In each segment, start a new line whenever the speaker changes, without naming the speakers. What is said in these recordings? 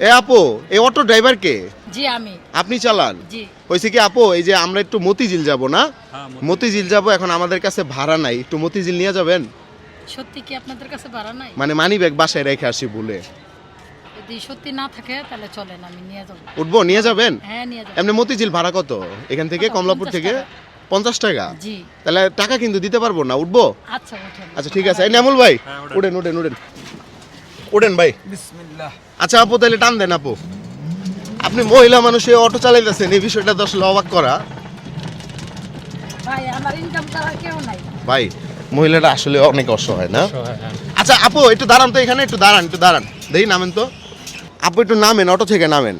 এ আপু, এই auto driver কে?
জি আমি।
আপনি চালান?
জি।
হইছে কি আপু, এই যে আমরা একটু মতিঝিল যাব না? মতিঝিল যাব, এখন আমাদের কাছে ভাড়া নাই, একটু মতিঝিল নিয়ে যাবেন?
সত্যি কি আপনাদের কাছে ভাড়া নাই?
মানে মানি ব্যাগ বাসায় রেখে আসি বলে।
যদি সত্যি না থাকে তাহলে চলেন, আমি নিয়ে যাব।
উঠবো, নিয়ে যাবেন?
হ্যাঁ নিয়ে যাব।
এমনি মতিঝিল ভাড়া কত এখান থেকে,
কত?
কমলাপুর
50
থেকে?
টাকা।
50 টাকা?
জি।
তাহলে টাকা কিন্তু দিতে পারবো না, উঠবো?
আচ্ছা ওঠেন।
আচ্ছা ঠিক আছে। এই নামুল ভাই, উঠেন উঠেন উঠেন উঠেন ভাই।
বিসমিল্লাহ।
আচ্ছা আপু, তাহলে টান দেন আপু। আপনি মহিলা মানুষে অটো চালাইতেছেন, এই বিষয়টা তো আসলে অবাক করা।
ভাই আমার ইনকাম করার কেউ নাই।
ভাই মহিলাটা আসলে অনেক অসহায় না? আচ্ছা আপু একটু দাঁড়ান তো, এখানে একটু দাঁড়ান, একটু দাঁড়ান, দেখি নামেন তো। আপু একটু নামেন, অটো থেকে নামেন।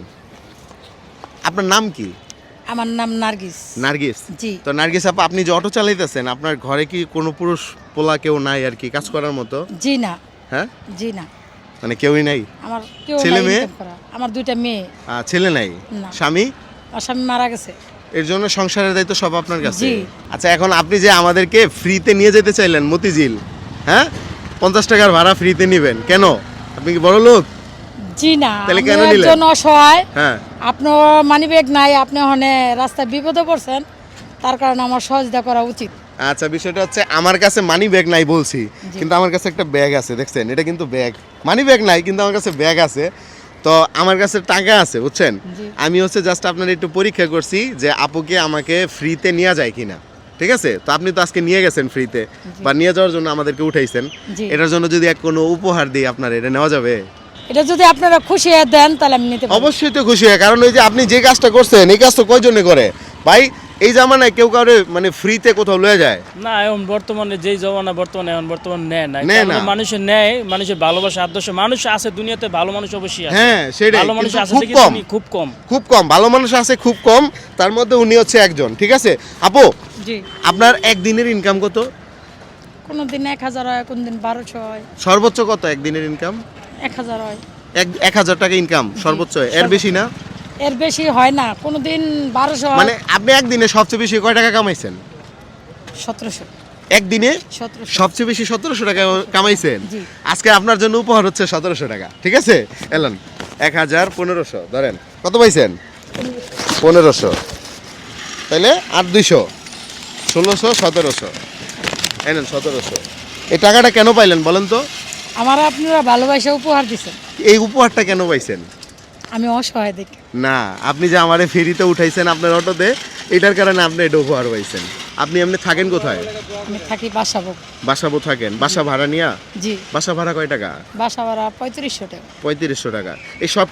আপনার নাম কি?
আমার নাম নার্গিস।
নার্গিস?
জি।
তো নার্গিস আপু, আপনি যে অটো চালাইতেছেন, আপনার ঘরে কি কোনো পুরুষ পোলা কেউ নাই আর কি কাজ করার মতো?
জি না।
হ্যাঁ,
জি না।
মানে কেউই নাই?
আমার কেউ
ছেলে
নাই
মেয়ে?
ইনকাম করা। আমার দুইটা মেয়ে।
ছেলে নাই?
না।
স্বামী?
আমার স্বামী মারা গেছে।
এর জন্য সংসারের দায়িত্ব সব আপনার কাছে?
জি।
আচ্ছা এখন আপনি যে আমাদেরকে ফ্রিতে নিয়ে যেতে চাইলেন মতিঝিল, হ্যাঁ, 50 টাকার ভাড়া ফ্রিতে নেবেন কেন? আপনি কি বড় লোক?
জি না।
তাহলে
আমি
কেন নিলেন?
একজন অসহায়।
হ্যাঁ।
আপনার মানি ব্যাগ নাই, আপনি ওখানে রাস্তায় বিপদে পড়ছেন, তার কারণে আমার সহযোগিতা করা উচিত।
আচ্ছা বিষয়টা হচ্ছে, আমার কাছে মানি ব্যাগ নাই বলছি,
জি।
কিন্তু আমার কাছে একটা ব্যাগ আছে, দেখছেন? এটা কিন্তু ব্যাগ, মানি ব্যাগ নাই কিন্তু আমার কাছে ব্যাগ আছে। তো আমার কাছে টাকা আছে, বুঝছেন?
জি।
আমি হচ্ছে জাস্ট আপনার একটু পরীক্ষা করছি যে আপুকে আমাকে ফ্রিতে নিয়ে যায় কিনা, ঠিক আছে? তো আপনি তো আজকে নিয়ে গেছেন ফ্রিতে, বা নিয়ে যাওয়ার জন্য আমাদেরকে উঠাইছেন।
জি।
এটার জন্য যদি এক কোনো উপহার দিই আপনার, এটা নেওয়া যাবে?
এটা যদি আপনারা খুশি হয়ে দেন তাহলে আমি নিতে পারি।
অবশ্যই তো খুশি হয়, কারণ ওই যে আপনি যে কাজটা করছেন, এই কাজ তো কয়জনে করে ভাই? এই জামানায় কেউ কাউরে মানে ফ্রিতে কোথাও লয়ে যায়
না, এখন বর্তমানে যেই জমানা বর্তমানে এখন বর্তমানে নেয় না।
নেয় না।
মানুষের নেয়, মানুষের ভালোবাসা আদর্শ মানুষ আছে দুনিয়াতে, ভালো মানুষ অবশ্যই আছে।
হ্যাঁ সেটাই,
ভালো মানুষ
কিন্তু
আছে
খুব
দেখি
কম,
খুব কম।
খুব কম ভালো মানুষ আছে, খুব কম। তার মধ্যে উনি হচ্ছে একজন, ঠিক আছে? আপু
জি।
আপনার একদিনের ইনকাম কত?
কোনদিন 1000 হয়, কোনদিন 1200 হয়।
সর্বোচ্চ কত একদিনের ইনকাম?
1000 হয়।
1000 টাকা ইনকাম সর্বোচ্চ, এর বেশি না?
এর বেশি হয় না, কোনদিন 1200 হয়।
মানে আপনি একদিনে সবচেয়ে বেশি কয় টাকা কামাইছেন?
1700।
একদিনে
1700।
সবচেয়ে বেশি 1700 টাকা কামাইছেন?
জি।
আজকে আপনার জন্য উপহার হচ্ছে 1700 টাকা, ঠিক আছে? এলেন 1000 1500 ধরেন, কত পাইছেন? 1500, তাইলে আর 200, 1600 1700, এনেন 1700। এই টাকাটা কেন পাইলেন বলেন তো?
আমার আপনারা ভালোবাসা উপহার দিছেন।
এই উপহারটা কেন পাইছেন?
আমি অসহায় দেখে।
না, আপনি যে আমারে ফেরিতে উঠাইছেন আপনার অটোতে, এটার কারণে আপনি এটা উপহার পাইছেন। আপনি এমনি থাকেন কোথায়?
আমি থাকি বাসাবো।
বাসাবো থাকেন? বাসা ভাড়া নিয়া?
জি।
বাসা ভাড়া কয় টাকা?
বাসা ভাড়া 3500 টাকা।
3500 টাকা। এই সব